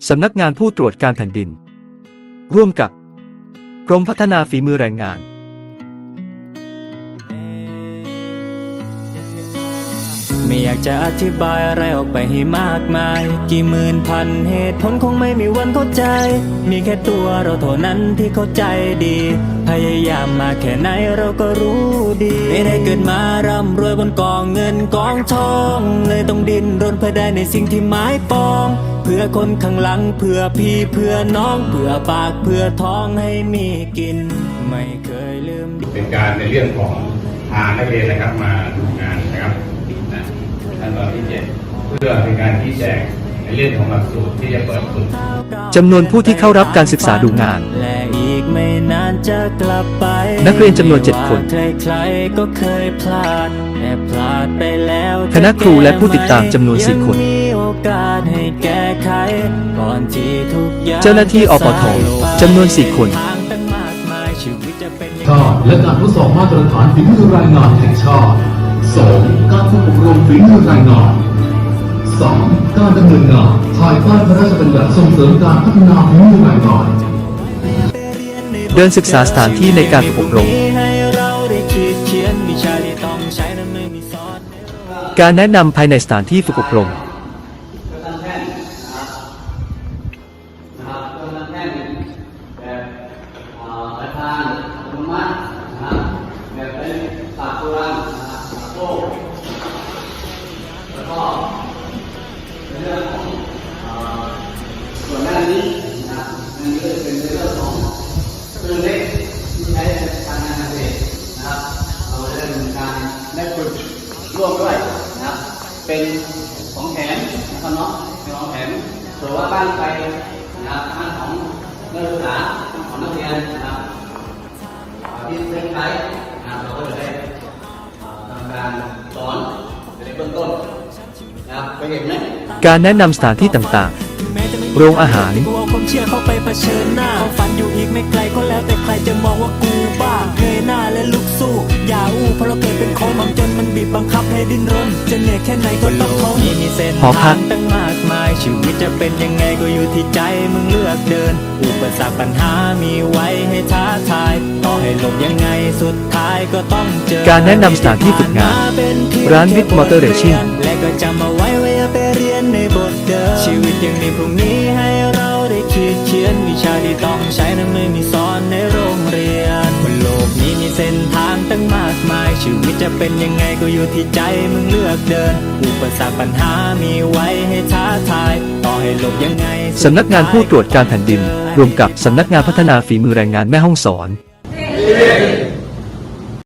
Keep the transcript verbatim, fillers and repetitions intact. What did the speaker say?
สำนักงานผู้ตรวจการแผ่นดินร่วมกับกรมพัฒนาฝีมือแรงงานไม่อยากจะอธิบายอะไรออกไปให้มากมายกี่หมื่นพันเหตุผลคงไม่มีวันเข้าใจมีแค่ตัวเราเท่านั้นที่เข้าใจดีพยายามมาแค่ไหนเราก็รู้ดีไม่ได้เกิดมาร่ำรวยบนกองเงินกองทองเลยต้องดิ้นรนเพื่อได้ในสิ่งที่หมายปองเพื่อคนข้างหลังเพื่อพี่เพื่อน้องเพื่อปากเพื่อท้องให้มีกินไม่เคยลืมเป็นการในเรื่องของพานักเรียนนะครับมาดูงานนะครับขั้นตอนที่เจ็ดเพื่อเป็นการชี้แจงในเรื่องของหลักสูตรที่จะเปิดฝึกจำนวนผู้ที่เข้ารับการศึกษาดูงานและอีกไม่นานจะกลับไปนักเรียนจำนวนเจ็ดคนใครๆก็เคยพลาดแต่พลาดไปแล้วคณะครูและผู้ติดตามจำนวนสี่คนเจ้าหน้าที่อปทจำนวนสี่คนชาติและการทดสอบมาตรฐานฝีมือรายงานแห่งชาติ สอง การฝึกอบรมฝีมือรายงาน สาม การดำเนินงานภายใต้พระราชบัญญัติส่งเสริมการพัฒนาฝีมือรายงานเดินศึกษาสถานที่ในการฝึกอบรมการแนะนำภายในสถานที่ฝึกอบรมส่วนด้านนี้นะครับนั่นก็จะเป็นเรื่องของเครื่องเล็กที่ใช้ในการงานเกษตรนะครับเราจะดำเนินการได้ฝึกร่วมด้วยนะครับเป็นของแถมนะครับเนาะเป็นของแถมส่วนว่าบ้านใครนะครับบ้านของนักศึกษาของนักเรียนนะครับที่เซ็นไซต์นะครับเราก็จะได้ทำการสอนในเบื้องต้นนะครับไปเห็นไหมการแนะนำสถานที่ต่างๆโรงอาหารความเชื่อเข้าไปเผชิญหน้าฝันอยู่อีกไม่ไกลก็แล้วแต่ใครจะมองว่ากูบ้าเงยหน้าและลุกสู้อย่าอู้เพราะเราเกิดเป็นคนความจนมันบีบบังคับให้ดิ้นรนจะเหนื่อยแค่ไหนก็ต้องทนมีเส้นทางตั้งมากมายชีวิตจะเป็นยังไงก็อยู่ที่ใจมึงเลือกเดินอุปสรรคปัญหามีไว้ให้ท้าทายต่อให้หลบยังไงสุดท้ายก็ต้องเจอการแนะนำสถานที่ฝึกงานร้านวิทมอเตอร์เรชิ่งและก็จำเอาไว้ว่าอย่าไปเรียนในบทเดิมชีวิตยังมีพรุ่งนี้ให้เราได้คิดเขียนวิชาที่ต้องใช้นั้นไม่มีสอนในโรงเรียนบนโลกนี้มีเส้นทางตั้งมากมายชีวิตจะเป็นยังไงก็อยู่ที่ใจมึงเลือกเดินอุปสรรคปัญหามีไว้ให้ท้าทายต่อให้หลบยังไงสำนักงานผู้ตรวจการแผ่นดินรวมกับสำนักงานพัฒนาฝีมือแรงงานแม่ฮ่องสอน